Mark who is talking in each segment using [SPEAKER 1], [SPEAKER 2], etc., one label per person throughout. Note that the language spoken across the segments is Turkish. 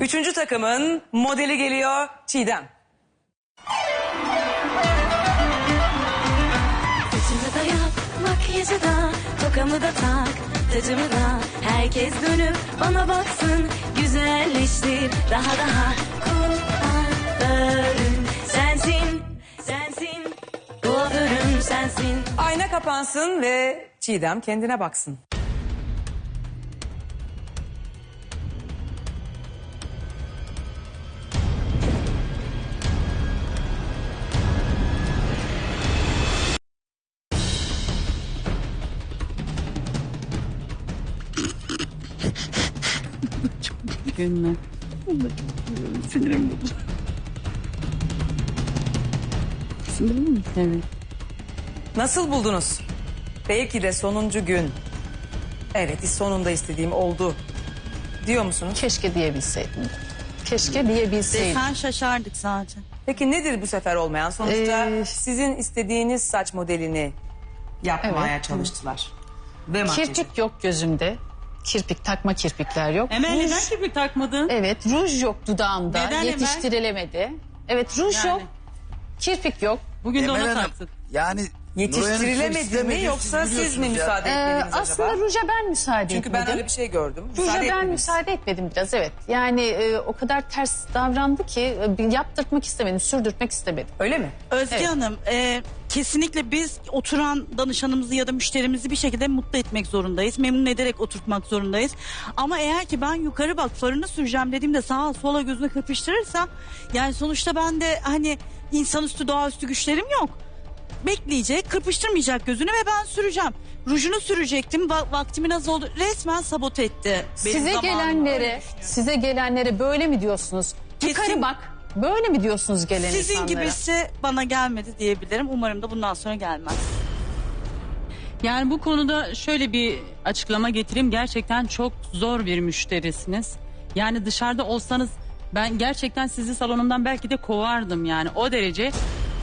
[SPEAKER 1] Üçüncü takımın modeli geliyor Çiğdem.
[SPEAKER 2] Saçımı da yap, makyajı da, tokamı da tak, tacımı da. Herkes dönüp bana baksın, güzelleştir daha. Kuaförüm sensin, sensin. Kuaförüm sensin.
[SPEAKER 1] Ayna kapansın ve Çiğdem kendine baksın.
[SPEAKER 3] Gülme. Sinirim bozuldu. Sinirim mi? Evet.
[SPEAKER 1] Nasıl buldunuz? Belki de sonuncu gün. Evet, sonunda istediğim oldu diyor musunuz?
[SPEAKER 4] Keşke diyebilseydim. Keşke diyebilseydim.
[SPEAKER 3] Sen şaşardık zaten.
[SPEAKER 1] Peki nedir bu sefer olmayan? Sonuçta sizin istediğiniz saç modelini yapmaya çalıştılar. Ve makyajı.
[SPEAKER 4] Kirpik yok gözümde. Kirpik, takma kirpikler yok.
[SPEAKER 3] Emel
[SPEAKER 4] Ruj-
[SPEAKER 3] neden kirpik takmadın?
[SPEAKER 4] Evet, ruj yok dudağımda.
[SPEAKER 3] Neden Emel?
[SPEAKER 4] Yetiştirilemedi. Evet, ruj
[SPEAKER 3] Yani.
[SPEAKER 4] yok. Kirpik yok.
[SPEAKER 3] Bugün de
[SPEAKER 5] Emel
[SPEAKER 3] ona
[SPEAKER 5] Hanım,
[SPEAKER 3] taktık.
[SPEAKER 5] yani
[SPEAKER 1] Yetiştirilemedi mi yoksa siz mi müsaade etmediniz
[SPEAKER 4] Aslında
[SPEAKER 1] acaba?
[SPEAKER 4] ruja ben müsaade
[SPEAKER 1] Çünkü
[SPEAKER 4] etmedim.
[SPEAKER 1] ben öyle bir şey gördüm.
[SPEAKER 4] Ruja
[SPEAKER 1] Müsaade
[SPEAKER 4] ben
[SPEAKER 1] etmediniz.
[SPEAKER 4] müsaade etmedim biraz, evet. Yani o kadar ters davrandı ki yaptırtmak istemedim, sürdürtmek istemedim.
[SPEAKER 1] Öyle mi?
[SPEAKER 3] Özge
[SPEAKER 4] Evet.
[SPEAKER 3] Hanım, kesinlikle biz oturan danışanımızı ya da müşterimizi bir şekilde mutlu etmek zorundayız. Memnun ederek oturtmak zorundayız. Ama eğer ki ben yukarı bak farını süreceğim dediğimde sağa sola gözüne kırpıştırırsa, yani sonuçta ben de hani insanüstü doğaüstü güçlerim yok. Bekleyecek, kırpıştırmayacak gözünü ve ben süreceğim. Rujunu sürecektim, vaktimin az oldu. Resmen sabote etti. benim
[SPEAKER 4] Size
[SPEAKER 3] zamanımı. Öyle
[SPEAKER 4] gelenlere,
[SPEAKER 3] düşünüyorum.
[SPEAKER 4] size gelenlere böyle mi diyorsunuz? Yukarı
[SPEAKER 3] Kesin-
[SPEAKER 4] bak. Böyle mi diyorsunuz gelen
[SPEAKER 3] Sizin
[SPEAKER 4] insanlara?
[SPEAKER 3] gibisi bana gelmedi diyebilirim. Umarım da bundan sonra gelmez.
[SPEAKER 6] Yani bu konuda şöyle bir açıklama getireyim. Gerçekten çok zor bir müşterisiniz. Yani dışarıda olsanız ben gerçekten sizi salonumdan belki de kovardım yani o derece.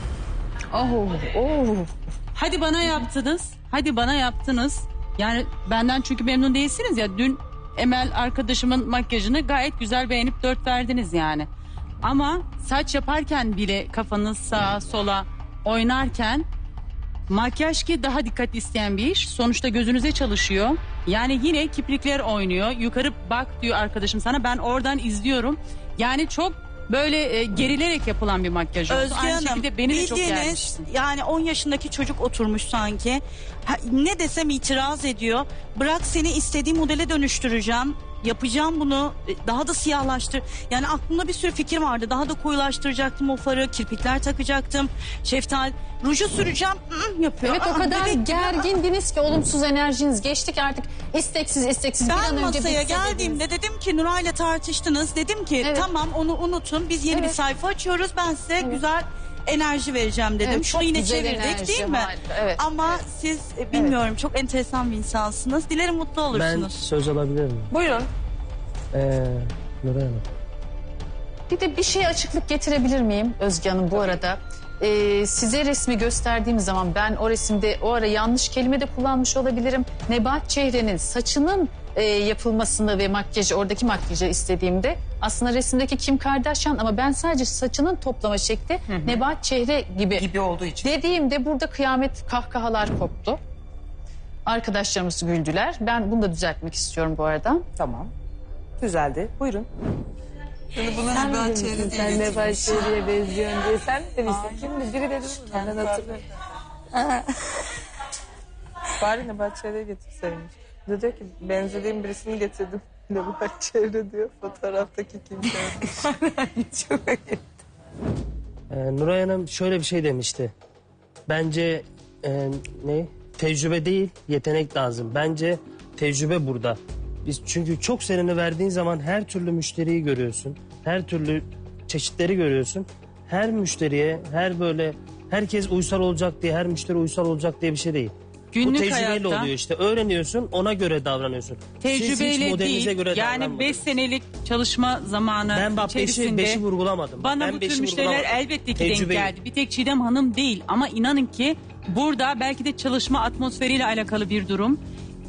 [SPEAKER 6] Hadi bana yaptınız. Hadi bana yaptınız. Yani benden çünkü memnun değilsiniz ya. Dün Emel arkadaşımın makyajını gayet güzel beğenip 4 verdiniz yani. Ama saç yaparken bile kafanız sağa sola oynarken makyaj ki daha dikkat isteyen bir iş. Sonuçta gözünüze çalışıyor. Yani yine kiprikler oynuyor. Yukarı bak diyor arkadaşım sana. Ben oradan izliyorum. Yani çok böyle gerilerek yapılan bir makyaj oldu.
[SPEAKER 3] Özge
[SPEAKER 6] Aynı
[SPEAKER 3] Hanım,
[SPEAKER 6] şekilde beni de çok
[SPEAKER 3] bildiğiniz
[SPEAKER 6] germişsin.
[SPEAKER 3] yani 10 yaşındaki çocuk oturmuş sanki. Ne desem itiraz ediyor. Bırak seni istediğim modele dönüştüreceğim. Yapacağım bunu, daha da siyahlaştır. Yani aklımda bir sürü fikir vardı. Daha da koyulaştıracaktım o farı, kirpikler takacaktım. Şeftal, ruju süreceğim, yapıyor.
[SPEAKER 4] Evet, o kadar
[SPEAKER 3] bebek gibi.
[SPEAKER 4] gergindiniz ki olumsuz enerjiniz geçtik artık isteksiz bir
[SPEAKER 3] Ben
[SPEAKER 4] an önce
[SPEAKER 3] masaya
[SPEAKER 4] bitse
[SPEAKER 3] geldiğimde
[SPEAKER 4] dediniz.
[SPEAKER 3] dedim ki Nuray'la tartıştınız. Dedim ki
[SPEAKER 4] Evet.
[SPEAKER 3] tamam onu unutun. Biz yeni bir
[SPEAKER 4] Evet.
[SPEAKER 3] sayfa açıyoruz. Ben size güzel enerji vereceğim dedim.
[SPEAKER 4] Evet,
[SPEAKER 3] Şunu
[SPEAKER 4] çok
[SPEAKER 3] yine
[SPEAKER 4] güzel
[SPEAKER 3] çevirdik
[SPEAKER 4] enerji,
[SPEAKER 3] değil mi?
[SPEAKER 4] harika, evet.
[SPEAKER 3] Ama siz bilmiyorum çok enteresan bir insansınız. Dilerim mutlu
[SPEAKER 7] Ben
[SPEAKER 3] olursunuz.
[SPEAKER 7] söz alabilir miyim?
[SPEAKER 1] Buyurun.
[SPEAKER 7] Nuray Hanım.
[SPEAKER 4] Bir de bir şeye açıklık getirebilir miyim Özge Hanım bu arada? Size resmi gösterdiğim zaman ben o resimde o ara yanlış kelime de kullanmış olabilirim. Nebahat Çehre'nin saçının yapılmasını ve makyajı, oradaki makyajı istediğimde aslında resimdeki Kim Kardashian ama ben sadece saçının toplama şekli Nebahat Çehre gibi
[SPEAKER 1] Olduğu için.
[SPEAKER 4] dediğimde burada kıyamet kahkahalar koptu. Arkadaşlarımız güldüler. Ben bunu da düzeltmek istiyorum bu arada.
[SPEAKER 1] Tamam. Düzeldi. Buyurun.
[SPEAKER 4] Sen Nebahat Çehre'ye benziyorsun diye sen mi demiştin? Kimdi? Biri dedi. Ben hatırlıyorum.
[SPEAKER 8] Bari Nebahat Çehre'yi getirseymiş. Bir de diyor ki benzediğim birisini getirdim. Nebahat Çehre diyor fotoğraftaki kimse.
[SPEAKER 1] Çok iyi.
[SPEAKER 7] Nuray Hanım şöyle bir şey demişti. Bence tecrübe değil yetenek lazım. Bence tecrübe burada. Biz çünkü çok serini verdiğin zaman her türlü müşteriyi görüyorsun. Her türlü çeşitleri görüyorsun. Her müşteriye herkes uysal olacak diye her müşteri uysal olacak diye bir şey değil.
[SPEAKER 6] Günlük
[SPEAKER 7] Bu tecrübeyle
[SPEAKER 6] hayatta
[SPEAKER 7] oluyor işte. Öğreniyorsun ona göre davranıyorsun. Siz hiç
[SPEAKER 6] tecrübeyle
[SPEAKER 7] modelinize
[SPEAKER 6] değil.
[SPEAKER 7] göre
[SPEAKER 6] Yani
[SPEAKER 7] davranmadınız.
[SPEAKER 6] 5 senelik çalışma zamanı
[SPEAKER 7] Ben bak
[SPEAKER 6] içerisinde
[SPEAKER 7] beşi vurgulamadım.
[SPEAKER 6] bana
[SPEAKER 7] Ben
[SPEAKER 6] bu
[SPEAKER 7] beşi
[SPEAKER 6] tür müşteriler
[SPEAKER 7] vurgulamadım.
[SPEAKER 6] elbette ki
[SPEAKER 7] Tecrübeyi.
[SPEAKER 6] denk geldi. Bir tek Çiğdem Hanım değil ama inanın ki burada belki de çalışma atmosferiyle alakalı bir durum.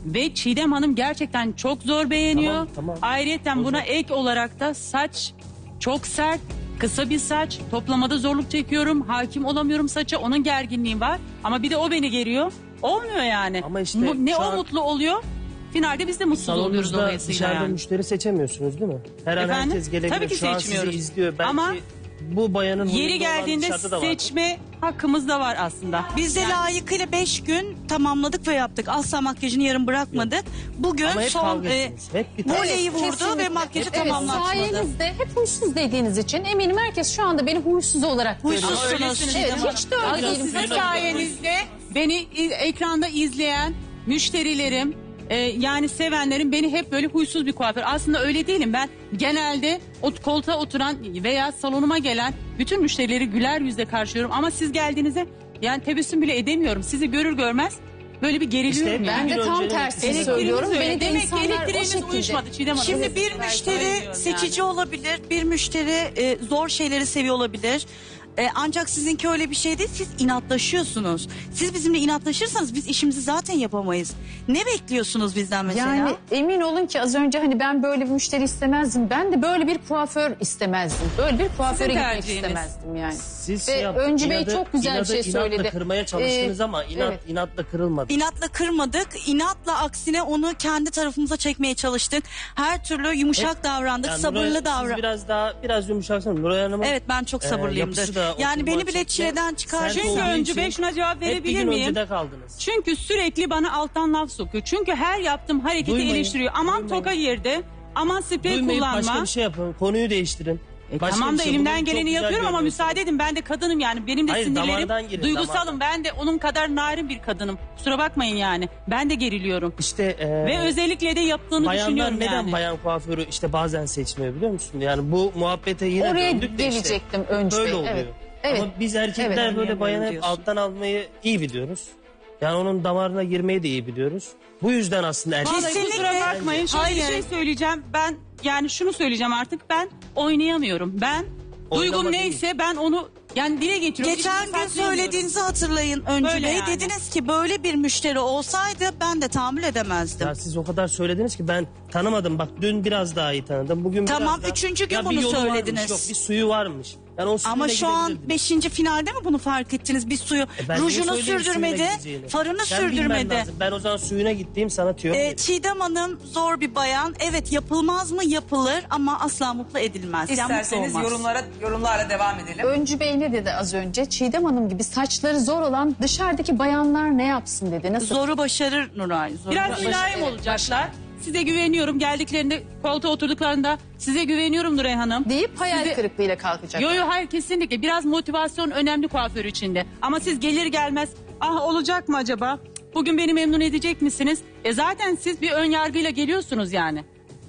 [SPEAKER 6] Ve Çiğdem Hanım gerçekten çok zor beğeniyor.
[SPEAKER 7] Tamam.
[SPEAKER 6] Ayrıyeten buna ek olarak da saç çok sert, kısa bir saç. Toplamada zorluk çekiyorum. Hakim olamıyorum saça. Onun gerginliği var. Ama bir de o beni geriyor. Olmuyor yani.
[SPEAKER 7] Ama işte
[SPEAKER 6] Ne
[SPEAKER 7] şu
[SPEAKER 6] o
[SPEAKER 7] an-
[SPEAKER 6] mutlu oluyor. Finalde biz de mutsuz oluyoruz
[SPEAKER 7] Salonunuzda
[SPEAKER 6] dolayısıyla
[SPEAKER 7] dışarıda
[SPEAKER 6] yani.
[SPEAKER 7] müşteri seçemiyorsunuz değil mi? Her an
[SPEAKER 6] Efendim?
[SPEAKER 7] herkes gelebilir.
[SPEAKER 6] Tabii ki
[SPEAKER 7] Şu an
[SPEAKER 6] seçmiyoruz.
[SPEAKER 7] sizi izliyor. Belki
[SPEAKER 6] Ama
[SPEAKER 7] bu bayanın
[SPEAKER 6] Yeri
[SPEAKER 7] huyunda olan
[SPEAKER 6] geldiğinde
[SPEAKER 7] dışarıda da vardır.
[SPEAKER 6] seçme hakkımız da var aslında.
[SPEAKER 3] Biz de layıkıyla 5 gün tamamladık ve yaptık. Asla makyajını yarım bırakmadık. Bugün
[SPEAKER 7] Ama hep
[SPEAKER 3] son
[SPEAKER 7] kavga ettiniz. Hep bir
[SPEAKER 3] voleyi vurdu
[SPEAKER 4] Kesinlikle.
[SPEAKER 3] ve makyajı
[SPEAKER 4] Evet,
[SPEAKER 3] tamamlatmadı.
[SPEAKER 4] sayenizde hep huysuz dediğiniz için eminim herkes şu anda beni huysuz olarak görüyor.
[SPEAKER 3] Huysuzsunuz.
[SPEAKER 6] Öylesiniz
[SPEAKER 4] Evet,
[SPEAKER 6] ama
[SPEAKER 4] hiç de öyle
[SPEAKER 6] aslında
[SPEAKER 4] değilim.
[SPEAKER 6] sizin sayenizde beni ekranda izleyen müşterilerim, yani sevenlerim beni hep böyle huysuz bir kuaför. Aslında öyle değilim. Ben genelde koltuğa oturan veya salonuma gelen bütün müşterileri güler yüzle karşılıyorum. Ama siz geldiğinizde yani tebessüm bile edemiyorum. Sizi görür görmez böyle bir geriliyorum.
[SPEAKER 7] İşte
[SPEAKER 6] yani.
[SPEAKER 4] Ben de
[SPEAKER 7] Bir gün
[SPEAKER 4] tam
[SPEAKER 7] önce-
[SPEAKER 4] tersini
[SPEAKER 6] Elektriğiniz
[SPEAKER 4] söylüyorum.
[SPEAKER 6] öyle.
[SPEAKER 4] Beni de
[SPEAKER 6] Demek ki
[SPEAKER 4] insanlar o
[SPEAKER 6] elektriğiniz
[SPEAKER 4] şekilde.
[SPEAKER 6] uyuşmadı Çiğdem Hanım.
[SPEAKER 3] Şimdi bir müşteri seçici olabilir, bir müşteri zor şeyleri seviyor olabilir. Ancak sizinki öyle bir şey değil, siz inatlaşıyorsunuz. Siz bizimle inatlaşırsanız biz işimizi zaten yapamayız. Ne bekliyorsunuz bizden mesela?
[SPEAKER 4] Yani emin olun ki az önce hani ben böyle bir müşteri istemezdim. Ben de böyle bir kuaför istemezdim. Böyle bir kuaföre gitmek
[SPEAKER 6] tercihiniz.
[SPEAKER 4] istemezdim yani.
[SPEAKER 7] Siz
[SPEAKER 4] Ve Öncü Bey
[SPEAKER 7] inadı-
[SPEAKER 4] çok güzel bir şey
[SPEAKER 7] inatla
[SPEAKER 4] söyledi.
[SPEAKER 7] kırmaya çalıştınız ama
[SPEAKER 4] evet.
[SPEAKER 7] inatla kırılmadı.
[SPEAKER 3] İnatla kırmadık, inatla aksine onu kendi tarafımıza çekmeye çalıştık. Her türlü yumuşak davrandık,
[SPEAKER 7] Yani
[SPEAKER 3] sabırlı
[SPEAKER 7] Nuray, siz
[SPEAKER 3] davrandık.
[SPEAKER 7] biraz yumuşaksınız. Nuray Hanım'ın
[SPEAKER 3] Evet, ben çok sabırlıyımdır.
[SPEAKER 7] yapısı da
[SPEAKER 3] Yani
[SPEAKER 7] oturma
[SPEAKER 3] beni bile
[SPEAKER 7] açısı
[SPEAKER 3] çileden çıkar.
[SPEAKER 7] sert
[SPEAKER 6] Çünkü
[SPEAKER 7] olduğu
[SPEAKER 6] Öncü Bey
[SPEAKER 7] için
[SPEAKER 6] şuna cevap
[SPEAKER 7] hep bir
[SPEAKER 6] verebilir
[SPEAKER 7] gün
[SPEAKER 6] miyim?
[SPEAKER 7] öncede kaldınız.
[SPEAKER 6] Çünkü sürekli bana alttan laf sokuyor. Çünkü her yaptığım hareketi
[SPEAKER 7] Duymayın,
[SPEAKER 6] eleştiriyor. Aman
[SPEAKER 7] duymayın.
[SPEAKER 6] toka yerde, aman sprey
[SPEAKER 7] Duymayıp
[SPEAKER 6] kullanma.
[SPEAKER 7] başka bir şey yapın. Konuyu değiştirin. Başka
[SPEAKER 6] Tamam
[SPEAKER 7] bir
[SPEAKER 6] da
[SPEAKER 7] şey.
[SPEAKER 6] elimden
[SPEAKER 7] Bugün çok
[SPEAKER 6] geleni
[SPEAKER 7] güzel
[SPEAKER 6] yapıyorum ama
[SPEAKER 7] görünüyorsunuz.
[SPEAKER 6] müsaade edin, ben de kadınım yani. Benim de
[SPEAKER 7] Hayır, damardan
[SPEAKER 6] sinirlerim
[SPEAKER 7] girin,
[SPEAKER 6] duygusalım.
[SPEAKER 7] damardan.
[SPEAKER 6] Ben de onun kadar narin bir kadınım. Kusura bakmayın yani. Ben de geriliyorum.
[SPEAKER 7] İşte
[SPEAKER 6] Ve özellikle de yaptığını
[SPEAKER 7] bayanlar
[SPEAKER 6] düşünüyorum
[SPEAKER 7] neden
[SPEAKER 6] yani.
[SPEAKER 7] bayan kuaförü işte bazen seçmiyor biliyor musun? Yani bu muhabbete yine
[SPEAKER 4] Oraya
[SPEAKER 7] döndük de
[SPEAKER 4] gelecektim
[SPEAKER 7] işte.
[SPEAKER 4] Öncü
[SPEAKER 7] Böyle
[SPEAKER 4] Bey,
[SPEAKER 7] oluyor.
[SPEAKER 4] evet. Evet.
[SPEAKER 7] Ama biz erkekler
[SPEAKER 4] Evet.
[SPEAKER 7] böyle bayanı hep
[SPEAKER 3] diyorsun.
[SPEAKER 7] alttan almayı iyi biliyoruz. Yani onun damarına girmeyi de iyi biliyoruz. Bu yüzden aslında erkek...
[SPEAKER 6] Vallahi
[SPEAKER 3] Kesinlikle.
[SPEAKER 6] kusura bakmayın. Şöyle bir
[SPEAKER 3] Hayır.
[SPEAKER 6] şey söyleyeceğim. Ben yani şunu söyleyeceğim artık. Ben oynayamıyorum. Ben duygum
[SPEAKER 7] Oynama değil.
[SPEAKER 6] neyse ben onu yani dile getiriyorum.
[SPEAKER 3] Geçen
[SPEAKER 6] İçimde
[SPEAKER 3] gün
[SPEAKER 6] saklayamıyorum.
[SPEAKER 3] söylediğinizi hatırlayın Öncü
[SPEAKER 6] Böyle
[SPEAKER 3] Bey.
[SPEAKER 6] yani.
[SPEAKER 3] Dediniz ki böyle bir müşteri olsaydı ben de tahammül edemezdim.
[SPEAKER 7] Ya siz o kadar söylediniz ki ben tanımadım. Bak dün biraz daha iyi tanıdım. Bugün
[SPEAKER 3] Tamam,
[SPEAKER 7] biraz daha...
[SPEAKER 3] üçüncü gün
[SPEAKER 7] Ya bir
[SPEAKER 3] bunu
[SPEAKER 7] yolu varmış,
[SPEAKER 3] söylediniz.
[SPEAKER 7] yok bir suyu varmış. Yani o suyuna
[SPEAKER 3] Ama şu an
[SPEAKER 7] gidebilirdiniz.
[SPEAKER 3] 5. finalde mi bunu fark ettiniz? Bir suyu
[SPEAKER 7] Ben niye
[SPEAKER 3] rujunu
[SPEAKER 7] söyleyeyim
[SPEAKER 3] sürdürmedi,
[SPEAKER 7] suyuna gideceğini?
[SPEAKER 3] farını
[SPEAKER 7] Sen bilmen
[SPEAKER 3] sürdürmedi.
[SPEAKER 7] lazım. Ben o zaman suyuna gittiğim sana tüyo vereyim.
[SPEAKER 3] Çiğdem Hanım zor bir bayan. Evet, yapılmaz mı? Yapılır ama asla mutlu edilmez. Yani mutlu
[SPEAKER 1] İsterseniz
[SPEAKER 3] olmaz.
[SPEAKER 1] yorumlarla devam edelim.
[SPEAKER 4] Öncü Bey ne dedi az önce? Çiğdem Hanım gibi saçları zor olan dışarıdaki bayanlar ne yapsın dedi. Nasıl?
[SPEAKER 3] Zoru başarır Nuray. Zoru
[SPEAKER 6] Biraz
[SPEAKER 3] başarır.
[SPEAKER 6] mülayim
[SPEAKER 4] Evet,
[SPEAKER 6] olacaklar. Size güveniyorum. Geldiklerinde koltuğa oturduklarında size güveniyorum Nuray Hanım.
[SPEAKER 4] Deyip hayal
[SPEAKER 6] Size-
[SPEAKER 4] kırıklığıyla kalkacak.
[SPEAKER 6] Yo hayır kesinlikle. Biraz motivasyon önemli kuaför içinde. Ama siz gelir gelmez ah olacak mı acaba? Bugün beni memnun edecek misiniz? Zaten siz bir ön yargıyla geliyorsunuz yani.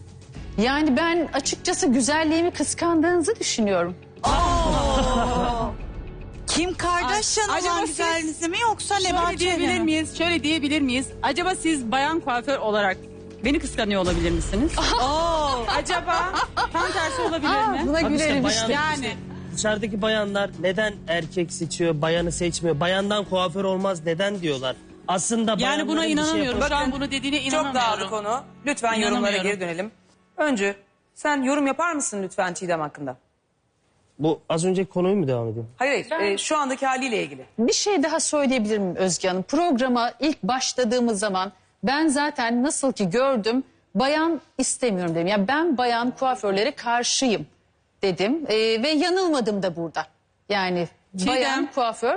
[SPEAKER 4] Yani ben açıkçası güzelliğimi kıskandığınızı düşünüyorum.
[SPEAKER 3] Kim Kardashian
[SPEAKER 6] Acaba
[SPEAKER 3] olan
[SPEAKER 6] siz-
[SPEAKER 3] güzelliğinizi mi yoksa
[SPEAKER 6] Şöyle
[SPEAKER 3] Nebahat
[SPEAKER 6] diyebilir
[SPEAKER 3] Çehre mi?
[SPEAKER 6] miyiz? Şöyle diyebilir miyiz? Acaba siz bayan kuaför olarak beni kıskanıyor olabilir misiniz? Acaba tam tersi olabilir mi?
[SPEAKER 4] Buna
[SPEAKER 7] Bak işte
[SPEAKER 4] gülerim
[SPEAKER 7] bayan-
[SPEAKER 4] işte.
[SPEAKER 6] Yani
[SPEAKER 7] Dışarıdaki bayanlar neden erkek seçiyor, bayanı seçmiyor? Bayandan kuaför olmaz neden diyorlar? Aslında
[SPEAKER 6] yani
[SPEAKER 7] bayanların
[SPEAKER 6] buna
[SPEAKER 7] bir şey
[SPEAKER 6] inanamıyorum.
[SPEAKER 7] yapması-
[SPEAKER 6] Şu an bunu dediğine
[SPEAKER 1] Çok
[SPEAKER 6] inanamıyorum.
[SPEAKER 1] dağıldı konu. Lütfen yorumlara
[SPEAKER 6] İnanamıyorum.
[SPEAKER 1] geri dönelim. Öncü sen yorum yapar mısın lütfen Çiğdem hakkında?
[SPEAKER 7] Bu az önceki konuyu mu devam edeyim?
[SPEAKER 1] Hayır hayır. Şu andaki haliyle ilgili.
[SPEAKER 4] Bir şey daha söyleyebilir miyim Özge Hanım? Programa ilk başladığımız zaman ben zaten nasıl ki gördüm bayan istemiyorum dedim. Yani ben bayan kuaförlere karşıyım dedim. Ve yanılmadım da burada. Yani
[SPEAKER 6] Çiğdem.
[SPEAKER 4] bayan kuaför.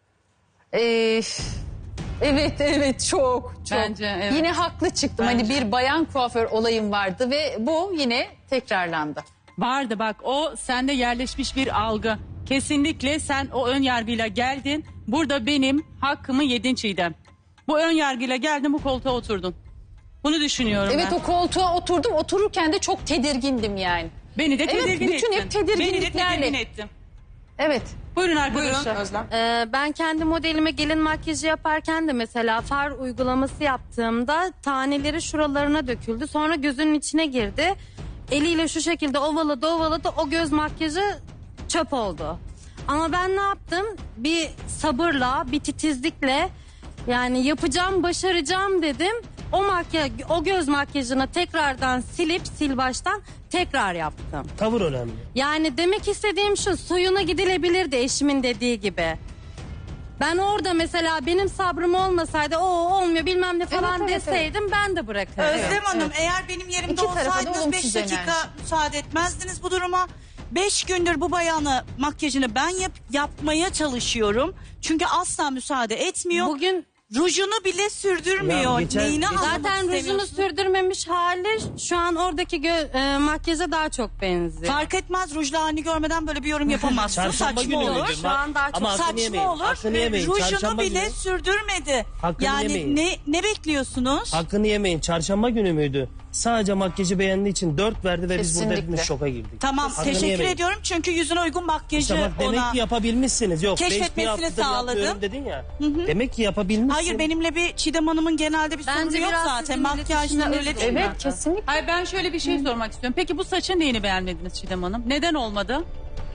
[SPEAKER 4] Evet çok.
[SPEAKER 6] Bence, evet.
[SPEAKER 4] Yine haklı çıktım.
[SPEAKER 6] Bence.
[SPEAKER 4] Hani bir bayan kuaför olayım vardı ve bu yine tekrarlandı.
[SPEAKER 6] Vardı bak o sende yerleşmiş bir algı. Kesinlikle sen o ön yargıyla geldin. Burada benim hakkımı yedin Çiğdem. Bu ön yargıyla geldin bu koltuğa oturdun. Bunu düşünüyorum
[SPEAKER 4] Evet
[SPEAKER 6] ben.
[SPEAKER 4] o koltuğa oturdum. Otururken de çok tedirgindim yani.
[SPEAKER 6] Beni de
[SPEAKER 4] Evet,
[SPEAKER 6] tedirgin
[SPEAKER 4] bütün
[SPEAKER 6] ettin.
[SPEAKER 4] hep tedirginliklerle.
[SPEAKER 6] Beni de tedirgin ettin.
[SPEAKER 4] Evet.
[SPEAKER 6] Buyurun
[SPEAKER 1] Buyurun
[SPEAKER 6] arkadaşlar.
[SPEAKER 1] Özlem.
[SPEAKER 5] Ben kendi modelime gelin makyajı yaparken de mesela far uygulaması yaptığımda taneleri şuralarına döküldü. Sonra gözünün içine girdi. Eliyle şu şekilde ovaladı o göz makyajı çöp oldu. Ama ben ne yaptım? Bir sabırla, bir titizlikle yani yapacağım, başaracağım dedim. o göz makyajını tekrardan silip sil baştan tekrar yaptım.
[SPEAKER 7] Tavır önemli.
[SPEAKER 5] Yani demek istediğim şu, suyuna gidilebilirdi eşimin dediği gibi. Ben orada mesela benim sabrım olmasaydı o olmuyor bilmem ne falan
[SPEAKER 4] Evet, evet,
[SPEAKER 5] deseydim ben de bırakırdım.
[SPEAKER 3] Özlem Hanım eğer benim yerimde
[SPEAKER 4] İki tarafa da
[SPEAKER 3] olsaydınız 5
[SPEAKER 4] olumsuz
[SPEAKER 3] dakika
[SPEAKER 4] enerji.
[SPEAKER 3] müsaade etmezdiniz bu duruma. 5 gündür bu bayanı makyajını ben yapmaya çalışıyorum. Çünkü asla müsaade etmiyor.
[SPEAKER 5] Bugün
[SPEAKER 3] Rujunu bile sürdürmüyor.
[SPEAKER 7] Ya geçen-
[SPEAKER 3] Neyini
[SPEAKER 7] geçen-
[SPEAKER 3] anlamak
[SPEAKER 5] zaten rujunu
[SPEAKER 3] istemiyorsun?
[SPEAKER 5] sürdürmemiş hali şu an oradaki makyaja daha çok benziyor.
[SPEAKER 3] Fark etmez, rujla halini görmeden böyle bir yorum yapamazsın.
[SPEAKER 7] Çarşamba
[SPEAKER 3] Saçma
[SPEAKER 7] günü
[SPEAKER 3] olur.
[SPEAKER 7] müydü?
[SPEAKER 5] Şu an daha çok
[SPEAKER 7] Ama hakkını yemeyin.
[SPEAKER 3] Saçma olur.
[SPEAKER 7] Hakkını yemeyin.
[SPEAKER 3] Rujunu
[SPEAKER 7] Çarşamba
[SPEAKER 3] bile
[SPEAKER 7] günü.
[SPEAKER 3] sürdürmedi.
[SPEAKER 7] Hakkını
[SPEAKER 3] Yani
[SPEAKER 7] yemeyin.
[SPEAKER 3] ne bekliyorsunuz?
[SPEAKER 7] Hakkını yemeyin. Çarşamba günü müydü? Sadece makyajı beğendiği için 4 verdi ve biz burada
[SPEAKER 4] Kesinlikle.
[SPEAKER 7] hepimiz şoka girdik.
[SPEAKER 3] Tamam,
[SPEAKER 7] Hakkını
[SPEAKER 3] teşekkür
[SPEAKER 7] yemeyin.
[SPEAKER 3] ediyorum çünkü yüzüne uygun makyajı
[SPEAKER 7] İşte bak demek
[SPEAKER 3] ona...
[SPEAKER 7] ki yapabilmişsiniz. Yok 5 bir
[SPEAKER 3] keşfetmesini
[SPEAKER 7] haftadır
[SPEAKER 3] sağladım.
[SPEAKER 7] yapmıyorum dedin ya. Demek ki yapabilmişsin.
[SPEAKER 3] Hayır, benimle bir Çiğdem Hanım'ın genelde bir
[SPEAKER 5] Bence
[SPEAKER 3] sorunu yok
[SPEAKER 5] biraz
[SPEAKER 3] zaten.
[SPEAKER 5] sizin
[SPEAKER 3] Makyajla
[SPEAKER 5] iletişiminiz
[SPEAKER 3] öyle değil mi?
[SPEAKER 4] Evet kesinlikle.
[SPEAKER 6] Hayır, ben şöyle bir şey sormak istiyorum. Peki bu saçın neyini beğenmediniz Çiğdem Hanım? Neden olmadı?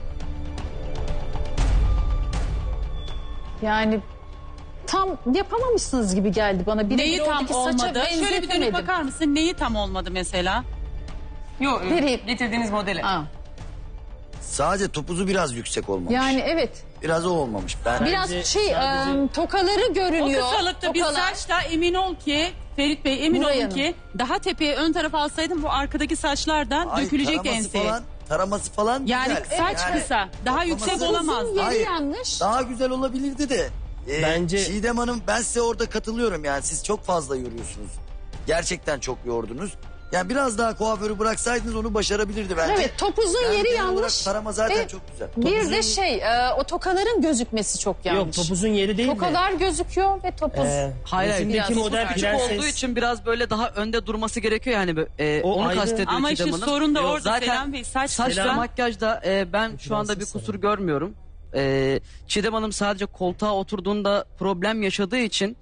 [SPEAKER 4] Yani tam yapamamışsınız gibi geldi bana.
[SPEAKER 6] Neyi tam
[SPEAKER 4] oradaki saça
[SPEAKER 6] olmadı? Şöyle bir dönüp
[SPEAKER 4] benzetemedim.
[SPEAKER 6] bakar mısın? Neyi tam olmadı mesela?
[SPEAKER 1] Yok,
[SPEAKER 4] Nereye?
[SPEAKER 1] getirdiğiniz modeli.
[SPEAKER 4] Aa,
[SPEAKER 9] Sadece topuzu biraz yüksek olmamış.
[SPEAKER 4] yani evet.
[SPEAKER 9] Biraz o olmamış. Ben
[SPEAKER 4] Biraz
[SPEAKER 7] sadece-
[SPEAKER 4] tokaları
[SPEAKER 6] O
[SPEAKER 4] görünüyor.
[SPEAKER 6] kısalıkta bir
[SPEAKER 4] Tokalar.
[SPEAKER 6] saçla emin ol ki Ferit Bey emin
[SPEAKER 4] Nuray
[SPEAKER 6] olun
[SPEAKER 4] Hanım.
[SPEAKER 6] ki daha tepeye ön tarafa alsaydım bu arkadaki saçlardan
[SPEAKER 9] Ay,
[SPEAKER 6] dökülecek
[SPEAKER 9] taraması
[SPEAKER 6] enseye.
[SPEAKER 9] falan, taraması falan
[SPEAKER 6] Yani
[SPEAKER 9] güzel.
[SPEAKER 6] saç
[SPEAKER 9] Yani
[SPEAKER 6] kısa, daha yüksek
[SPEAKER 9] toplaması-
[SPEAKER 6] olamaz.
[SPEAKER 4] Uzun yeri
[SPEAKER 9] Hayır.
[SPEAKER 4] yanlış.
[SPEAKER 9] Daha güzel olabilirdi de.
[SPEAKER 7] Bence-
[SPEAKER 9] Çiğdem Hanım, ben size orada katılıyorum yani. Siz çok fazla yoruyorsunuz. Gerçekten çok yordunuz. Yani biraz daha kuaförü bıraksaydınız onu başarabilirdi bence.
[SPEAKER 4] Evet, topuzun
[SPEAKER 9] Yani
[SPEAKER 4] yeri
[SPEAKER 9] genel olarak
[SPEAKER 4] yanlış.
[SPEAKER 9] tarama zaten
[SPEAKER 4] Ve
[SPEAKER 9] çok güzel.
[SPEAKER 4] Bir de o tokaların gözükmesi çok yanlış.
[SPEAKER 7] Yok, topuzun yeri değil de.
[SPEAKER 4] Tokalar gözüküyor ve topuz.
[SPEAKER 10] Hayır,
[SPEAKER 7] Resimdeki
[SPEAKER 4] biraz
[SPEAKER 7] model
[SPEAKER 10] küçük
[SPEAKER 7] prenses.
[SPEAKER 10] olduğu için biraz böyle daha önde durması gerekiyor yani.
[SPEAKER 7] O
[SPEAKER 10] Onu
[SPEAKER 7] ayrı.
[SPEAKER 10] kastediyor
[SPEAKER 6] Ama
[SPEAKER 10] Çiğdem
[SPEAKER 6] işte
[SPEAKER 10] Hanım.
[SPEAKER 6] sorun da
[SPEAKER 10] Yok,
[SPEAKER 6] orada
[SPEAKER 10] zaten
[SPEAKER 6] Selam Bey.
[SPEAKER 10] saç ve
[SPEAKER 6] Saçla
[SPEAKER 10] makyajda ben şu anda bir
[SPEAKER 7] Prenses
[SPEAKER 10] kusur
[SPEAKER 7] Selam.
[SPEAKER 10] görmüyorum. Çiğdem Hanım sadece koltuğa oturduğunda problem yaşadığı için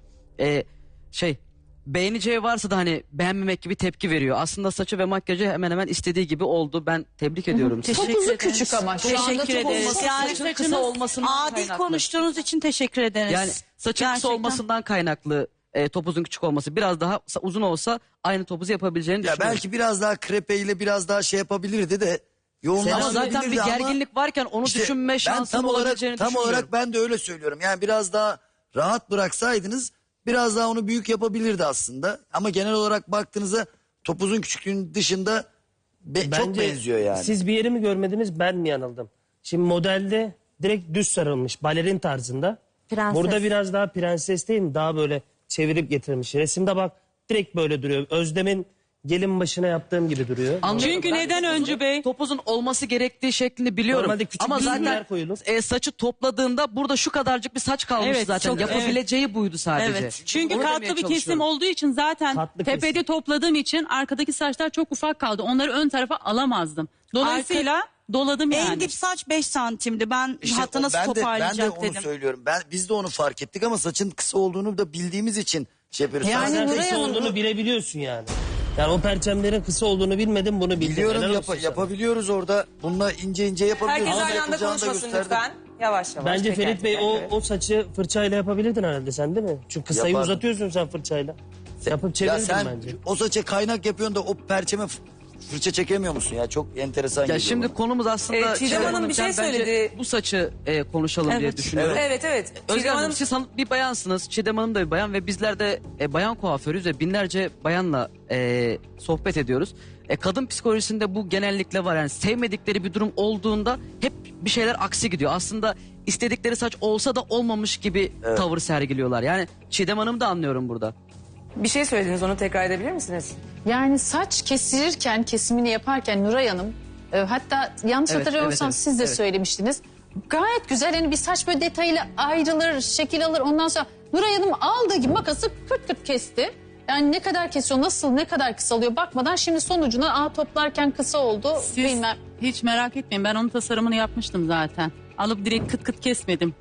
[SPEAKER 10] beğeneceği varsa da hani beğenmemek gibi tepki veriyor. Aslında saçı ve makyajı hemen hemen istediği gibi oldu. Ben tebrik ediyorum sizi.
[SPEAKER 4] Topuzu küçük ama. Şu anda
[SPEAKER 3] Teşekkür
[SPEAKER 4] topuzu-
[SPEAKER 3] ederiz. Yani
[SPEAKER 10] saçın kısa olmasından
[SPEAKER 3] adil
[SPEAKER 10] kaynaklı.
[SPEAKER 3] konuştuğunuz için teşekkür ederiz.
[SPEAKER 10] Yani saçın kısa
[SPEAKER 3] Gerçekten.
[SPEAKER 10] olmasından kaynaklı topuzun küçük olması. Biraz daha uzun olsa aynı topuzu yapabileceğini
[SPEAKER 9] Ya
[SPEAKER 10] düşünüyorum.
[SPEAKER 9] belki biraz daha krepeyle biraz daha şey yapabilirdi de. Yoğunlaşabilirdi
[SPEAKER 10] Ama zaten bir
[SPEAKER 9] ama
[SPEAKER 10] gerginlik varken onu
[SPEAKER 9] işte
[SPEAKER 10] düşünme
[SPEAKER 9] ben
[SPEAKER 10] şansım olabileceğini
[SPEAKER 9] tam
[SPEAKER 10] düşünüyorum.
[SPEAKER 9] olarak ben de öyle söylüyorum. Yani biraz daha rahat bıraksaydınız biraz daha onu büyük yapabilirdi aslında. Ama genel olarak baktığınızda topuzun küçüklüğünün dışında çok
[SPEAKER 7] Bence
[SPEAKER 9] benziyor yani.
[SPEAKER 7] Siz bir yeri mi görmediniz, ben mi yanıldım? Şimdi modelde direkt düz sarılmış, balerin tarzında.
[SPEAKER 5] Prenses.
[SPEAKER 7] Burada biraz daha prenses değil mi? Daha böyle çevirip getirmiş. Resimde bak direkt böyle duruyor. Özlem'in gelin başına yaptığım gibi duruyor.
[SPEAKER 10] Anlıyorum.
[SPEAKER 6] Çünkü
[SPEAKER 10] Ben
[SPEAKER 6] neden
[SPEAKER 10] topuzun-
[SPEAKER 6] Öncü Bey?
[SPEAKER 10] Topuzun olması gerektiği şeklini biliyorum.
[SPEAKER 7] Normalde küçük
[SPEAKER 10] Ama
[SPEAKER 7] düzgünler
[SPEAKER 10] zaten
[SPEAKER 7] koyulur.
[SPEAKER 10] saçı topladığında burada şu kadarcık bir saç kalmış
[SPEAKER 6] Evet,
[SPEAKER 10] zaten.
[SPEAKER 6] çok-
[SPEAKER 10] Yapabileceği buydu sadece.
[SPEAKER 6] Evet. Çünkü
[SPEAKER 10] Onu demeye
[SPEAKER 6] katlı bir kesim
[SPEAKER 10] çalışıyorum.
[SPEAKER 6] olduğu için zaten
[SPEAKER 7] Katlı
[SPEAKER 6] tepede
[SPEAKER 7] kesim.
[SPEAKER 6] topladığım için arkadaki saçlar çok ufak kaldı. Onları ön tarafa alamazdım. Dolayısıyla doladım yani.
[SPEAKER 3] En dip saç 5 santimdi. Ben
[SPEAKER 9] İşte
[SPEAKER 3] hatta nasıl
[SPEAKER 9] ben de
[SPEAKER 3] toparlayacak
[SPEAKER 9] onu
[SPEAKER 3] dedim.
[SPEAKER 9] söylüyorum. Biz de onu fark ettik ama saçın kısa olduğunu da bildiğimiz için şey yapıyoruz.
[SPEAKER 4] Yani
[SPEAKER 7] Zaten
[SPEAKER 4] Nuray
[SPEAKER 7] kısa
[SPEAKER 4] Hanım-
[SPEAKER 7] olduğunu bilebiliyorsun yani. Yani o perçemlerin kısa olduğunu bilmedim, bunu bildim.
[SPEAKER 9] Biliyorum
[SPEAKER 7] Helal olsun sana.
[SPEAKER 9] yapabiliyoruz orada. Bununla ince ince yapabiliyoruz.
[SPEAKER 1] Herkes
[SPEAKER 9] Ama
[SPEAKER 1] aynı anda
[SPEAKER 9] yapılacağını da
[SPEAKER 1] konuşmasın
[SPEAKER 9] gösterdim.
[SPEAKER 1] lütfen. Yavaş yavaş.
[SPEAKER 7] Bence
[SPEAKER 1] teker
[SPEAKER 7] Ferit Bey
[SPEAKER 1] teker,
[SPEAKER 7] o,
[SPEAKER 1] evet.
[SPEAKER 7] o saçı fırçayla yapabilirdin herhalde sen, değil mi? Çünkü kısayı
[SPEAKER 9] Yapardım.
[SPEAKER 7] uzatıyorsun sen fırçayla. Yapıp
[SPEAKER 9] Ya
[SPEAKER 7] çevirirdin
[SPEAKER 9] sen
[SPEAKER 7] bence.
[SPEAKER 9] o saça kaynak yapıyorsun da o perçeme fırça çekemiyor musun ya? Çok enteresan
[SPEAKER 10] Ya
[SPEAKER 9] geliyor
[SPEAKER 10] şimdi
[SPEAKER 9] bana.
[SPEAKER 10] konumuz aslında
[SPEAKER 1] Çiğdem Hanım bir şey
[SPEAKER 10] bence
[SPEAKER 1] söyledi.
[SPEAKER 10] bu saçı konuşalım diye düşünüyorum.
[SPEAKER 1] Evet evet.
[SPEAKER 10] Özlem
[SPEAKER 1] Çiğdem
[SPEAKER 10] Hanım
[SPEAKER 1] Hanım
[SPEAKER 10] siz bir bayansınız. Çiğdem Hanım da bir bayan ve bizler de bayan kuaförüyüz ve binlerce bayanla sohbet ediyoruz. Kadın psikolojisinde bu genellikle var. Yani sevmedikleri bir durum olduğunda hep bir şeyler aksi gidiyor. Aslında istedikleri saç olsa da olmamış gibi tavır sergiliyorlar. Yani Çiğdem Hanım da anlıyorum burada.
[SPEAKER 1] bir şey söylediniz, onu tekrar edebilir misiniz?
[SPEAKER 4] Yani saç kesirirken, kesimini yaparken Nuray Hanım, hatta yanlış
[SPEAKER 10] Evet,
[SPEAKER 4] hatırlamıyorsam
[SPEAKER 10] evet,
[SPEAKER 4] siz de
[SPEAKER 10] evet.
[SPEAKER 4] söylemiştiniz. Gayet güzel, hani bir saç böyle detayıyla ayrılır, şekil alır. Ondan sonra Nuray Hanım aldığı gibi makası kırt kırt kesti. Yani ne kadar kesiyor, nasıl, ne kadar kısalıyor bakmadan şimdi sonucuna toplarken kısa oldu
[SPEAKER 6] Siz
[SPEAKER 4] bilmem.
[SPEAKER 6] hiç merak etmeyin, ben onun tasarımını yapmıştım zaten. Alıp direkt kıt kıt kesmedim.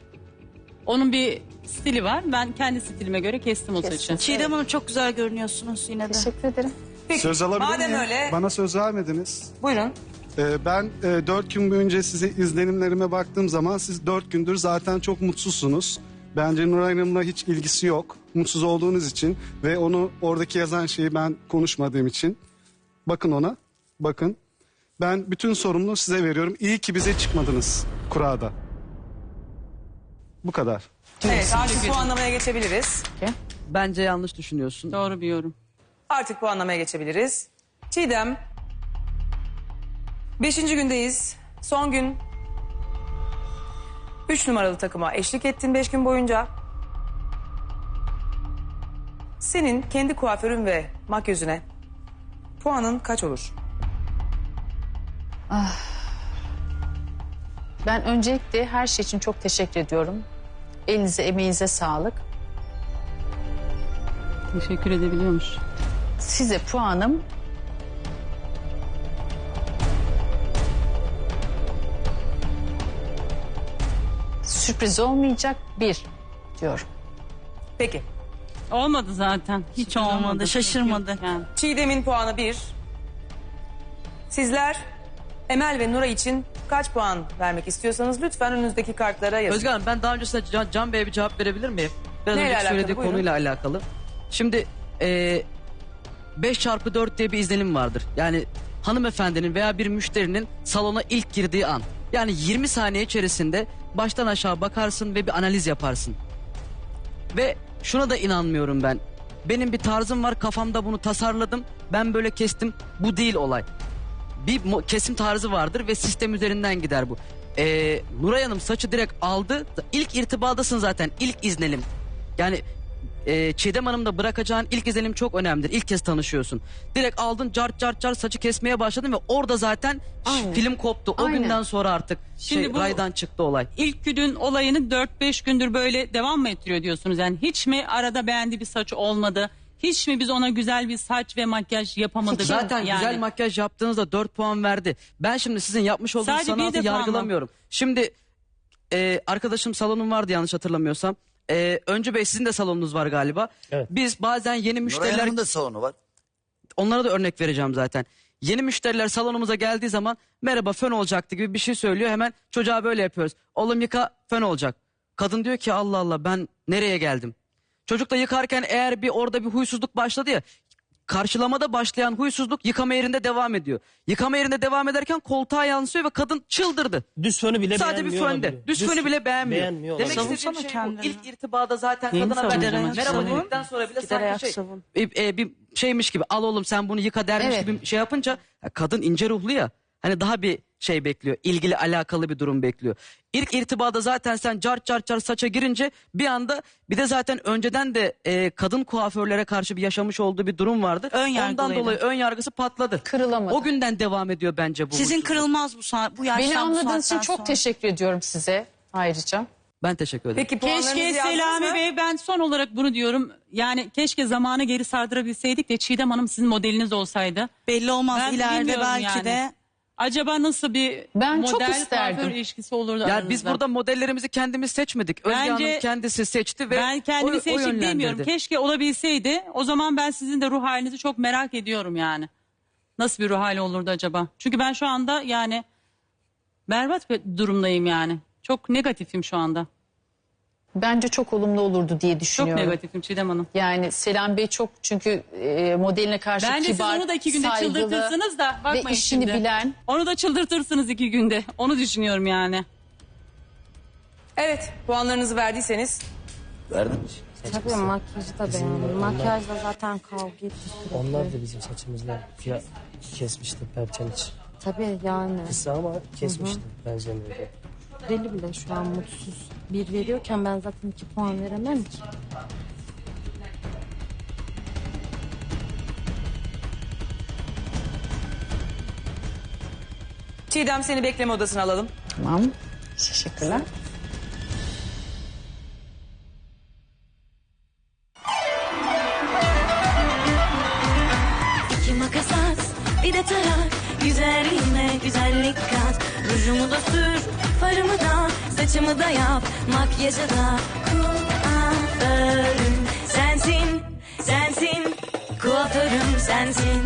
[SPEAKER 6] Onun bir stili var. Ben kendi stilime göre kestim o saçı.
[SPEAKER 3] Çiğdem Hanım çok güzel görünüyorsunuz yine de.
[SPEAKER 4] Teşekkür ederim.
[SPEAKER 1] Peki,
[SPEAKER 11] Söz alabilir
[SPEAKER 1] madem
[SPEAKER 11] miyim?
[SPEAKER 1] öyle
[SPEAKER 11] Bana söz vermediniz.
[SPEAKER 1] buyurun.
[SPEAKER 11] Ben 4 gün boyunca size izlenimlerime baktığım zaman siz 4 gündür zaten çok mutsuzsunuz. Bence Nuray Hanım'la hiç ilgisi yok. mutsuz olduğunuz için ve onu oradaki yazan şeyi ben konuşmadığım için bakın ona, bakın. Ben bütün sorumluluğu size veriyorum. İyi ki bize çıkmadınız kurada. Bu kadar.
[SPEAKER 1] Evet, artık puanlamaya geçebiliriz.
[SPEAKER 10] Bence yanlış düşünüyorsun.
[SPEAKER 6] Doğru bir yorum.
[SPEAKER 1] Artık puanlamaya geçebiliriz. Çiğdem, 5. gündeyiz. Son gün 3 numaralı takıma eşlik ettin 5 gün boyunca. Senin kendi kuaförün ve makyözüne puanın kaç olur?
[SPEAKER 4] Ben öncelikle her şey için çok teşekkür ediyorum. Elinize, emeğinize sağlık.
[SPEAKER 6] Teşekkür edebiliyormuş.
[SPEAKER 4] Size puanım sürpriz olmayacak 1 diyorum.
[SPEAKER 1] Peki.
[SPEAKER 6] Olmadı zaten.
[SPEAKER 3] Hiç olmadı, şaşırmadı.
[SPEAKER 6] Yani.
[SPEAKER 1] Çiğdem'in puanı 1. Sizler Emel ve Nuray için kaç puan vermek istiyorsanız lütfen önünüzdeki kartlara yazın.
[SPEAKER 10] Özge Hanım, ben daha öncesinde Can Bey'e bir cevap verebilir miyim? Biraz
[SPEAKER 1] Neyle
[SPEAKER 10] önce
[SPEAKER 1] alakalı?
[SPEAKER 10] söylediği
[SPEAKER 1] Buyurun.
[SPEAKER 10] konuyla alakalı. Şimdi 5x4 diye bir izlenim vardır. Yani hanımefendinin veya bir müşterinin salona ilk girdiği an. Yani 20 saniye içerisinde baştan aşağı bakarsın ve bir analiz yaparsın. Ve şuna da inanmıyorum ben. Benim bir tarzım var, kafamda bunu tasarladım. Ben böyle kestim. Bu değil olay. Bir kesim tarzı vardır ve sistem üzerinden gider bu. Nuray Hanım saçı direkt aldı. İlk irtibadasın zaten. İlk izlenim. Yani Çiğdem Hanım'da bırakacağın ilk izlenim çok önemlidir. İlk kez tanışıyorsun. Direkt aldın, cart cart cart saçı kesmeye başladın ve orada zaten film koptu. O
[SPEAKER 4] Aynen.
[SPEAKER 10] günden sonra artık
[SPEAKER 6] Şimdi bu-
[SPEAKER 10] raydan çıktı olay.
[SPEAKER 6] İlk günün olayını 4-5 gündür böyle devam mı ettiriyor diyorsunuz? Yani hiç mi arada beğendiği bir saç olmadı? Hiç mi biz ona güzel bir saç ve makyaj yapamadık?
[SPEAKER 10] Zaten
[SPEAKER 6] Yani.
[SPEAKER 10] güzel makyaj yaptığınızda 4 puan verdi. Ben şimdi sizin yapmış olduğunuz
[SPEAKER 6] Sadece bir
[SPEAKER 10] sanatı
[SPEAKER 6] defa mı?
[SPEAKER 10] yargılamıyorum. Şimdi arkadaşım salonum vardı yanlış hatırlamıyorsam. Öncü Bey, sizin de salonunuz var galiba.
[SPEAKER 7] Evet.
[SPEAKER 10] Biz bazen yeni
[SPEAKER 9] Nuray
[SPEAKER 10] müşteriler,
[SPEAKER 9] Hanım'ın da salonu var.
[SPEAKER 10] onlara da örnek vereceğim zaten. Yeni müşteriler salonumuza geldiği zaman merhaba fön olacaktı gibi bir şey söylüyor. Hemen çocuğa böyle yapıyoruz. Oğlum yıka, fön olacak. Kadın diyor ki Allah Allah, ben nereye geldim? Çocuk da yıkarken eğer orada bir huysuzluk başladı ya, karşılamada başlayan huysuzluk yıkama yerinde devam ediyor. Yıkama yerinde devam ederken koltuğa yansıyor ve kadın çıldırdı.
[SPEAKER 7] Düz fönü bile
[SPEAKER 10] Sadece bir
[SPEAKER 7] beğenmiyor
[SPEAKER 10] fönde.
[SPEAKER 7] olabilir.
[SPEAKER 10] Düz fönü bile beğenmiyor.
[SPEAKER 7] beğenmiyor
[SPEAKER 10] Demek
[SPEAKER 7] olabilir.
[SPEAKER 10] istediğim
[SPEAKER 3] Savunsana
[SPEAKER 10] şey bu.
[SPEAKER 3] kendini.
[SPEAKER 10] İlk irtibada zaten
[SPEAKER 3] Neyini
[SPEAKER 10] kadına ben
[SPEAKER 3] savunacaksın?
[SPEAKER 10] merhaba
[SPEAKER 3] Savun.
[SPEAKER 10] dedikten sonra bile
[SPEAKER 3] Gider ayak
[SPEAKER 10] sanki
[SPEAKER 3] savun.
[SPEAKER 10] bir şeymiş gibi, al oğlum sen bunu yıka dermiş
[SPEAKER 4] Evet.
[SPEAKER 10] gibi şey yapınca kadın ince ruhlu ya. Hani daha bir şey bekliyor. İlgili alakalı bir durum bekliyor. İlk irtibada zaten sen cart cart cart saça girince bir anda, bir de zaten önceden de kadın kuaförlere karşı bir yaşamış olduğu bir durum vardı.
[SPEAKER 3] Ön
[SPEAKER 10] Ondan
[SPEAKER 3] yargılıydı.
[SPEAKER 10] dolayı ön yargısı patladı.
[SPEAKER 4] Kırılamadı.
[SPEAKER 10] O günden devam ediyor bence bu.
[SPEAKER 3] Sizin
[SPEAKER 10] huysuzluk.
[SPEAKER 3] kırılmaz bu yaştan,
[SPEAKER 4] Beni
[SPEAKER 3] bu
[SPEAKER 4] anladığınız için
[SPEAKER 3] saatten
[SPEAKER 4] çok
[SPEAKER 3] sonra.
[SPEAKER 4] teşekkür ediyorum size ayrıca.
[SPEAKER 10] Ben teşekkür ederim.
[SPEAKER 1] Peki puanlarınızı
[SPEAKER 6] Keşke
[SPEAKER 1] yazdınız
[SPEAKER 6] Selami
[SPEAKER 1] mı?
[SPEAKER 6] Bey, ben son olarak bunu diyorum. Yani keşke zamanı geri sardırabilseydik de Çiğdem Hanım sizin modeliniz olsaydı.
[SPEAKER 3] Belli olmaz,
[SPEAKER 6] Ben
[SPEAKER 3] ileride
[SPEAKER 6] bilmiyorum
[SPEAKER 3] belki
[SPEAKER 6] yani.
[SPEAKER 3] de.
[SPEAKER 6] Acaba nasıl bir
[SPEAKER 4] Ben çok
[SPEAKER 6] model
[SPEAKER 4] isterdim.
[SPEAKER 6] kuaför ilişkisi olurdu
[SPEAKER 10] Ya
[SPEAKER 6] aranızda?
[SPEAKER 10] biz burada modellerimizi kendimiz seçmedik. Özge
[SPEAKER 6] Bence-
[SPEAKER 10] Hanım kendisi seçti ve
[SPEAKER 6] Ben kendimi
[SPEAKER 10] o
[SPEAKER 6] seçtim
[SPEAKER 10] yönlendirdi.
[SPEAKER 6] demiyorum. Keşke olabilseydi. O zaman ben sizin de ruh halinizi çok merak ediyorum yani. Nasıl bir ruh hali olurdu acaba? Çünkü ben şu anda yani berbat bir durumdayım yani. Çok negatifim şu anda.
[SPEAKER 4] Bence çok olumlu olurdu diye
[SPEAKER 6] Çok
[SPEAKER 4] düşünüyorum.
[SPEAKER 6] negatifim Çiğdem Hanım.
[SPEAKER 4] Yani Selam Bey çok çünkü modeline karşı
[SPEAKER 6] Bence
[SPEAKER 4] kibar,
[SPEAKER 6] siz onu da 2 günde
[SPEAKER 4] saygılı
[SPEAKER 6] çıldırtırsınız da bakmayın
[SPEAKER 4] ve işini
[SPEAKER 6] şimdi.
[SPEAKER 4] bilen.
[SPEAKER 6] Onu da çıldırtırsınız 2 günde. Onu düşünüyorum yani.
[SPEAKER 1] Evet, puanlarınızı verdiyseniz
[SPEAKER 9] Verdim.
[SPEAKER 5] Tabii makyajı da beğendim. Makyajla zaten kavga ettik.
[SPEAKER 7] Onlar da bizim saçımızla kesmişti perçemiç.
[SPEAKER 5] Tabii yani.
[SPEAKER 7] Kısa ama kesmişti benzemiyordu.
[SPEAKER 5] Deli bile şu an mutsuz. 1 veriyorken ben zaten 2 puan veremem ki.
[SPEAKER 1] Çiğdem, seni bekleme odasına alalım.
[SPEAKER 4] Tamam. Teşekkürler.
[SPEAKER 2] İki makas at, bir de tarak. Güzelliğime güzellik kat. Rujumu da sür, farımı da, saçımı da yap. Makyajı da kuaförüm sensin, sensin. Kuaförüm sensin.